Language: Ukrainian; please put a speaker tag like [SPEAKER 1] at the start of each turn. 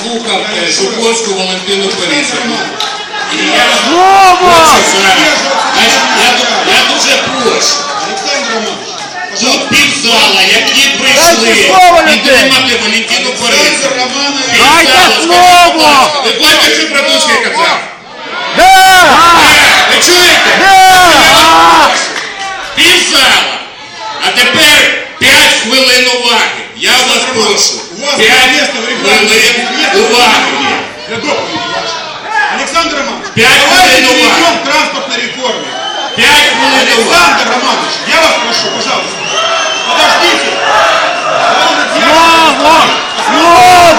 [SPEAKER 1] слухав Жуковську Валентину Борисівну. І я дуже прошу. Тут півзала, які прийшли підтримати Валентину Борисівну.
[SPEAKER 2] Дайте слово!
[SPEAKER 1] Ви бачите, що Братушки казав? Ви чуєте? Півзала. А тепер 5 хвилин уваги. Я вас прошу. 5 хвилин уваги.
[SPEAKER 3] Александр Романович,
[SPEAKER 1] 5 хвилин уваги.
[SPEAKER 3] перейдем к транспортной реформе.
[SPEAKER 1] 5 хвилин уваги.
[SPEAKER 3] Александр Романович, я вас прошу, пожалуйста, подождите.
[SPEAKER 2] Слово!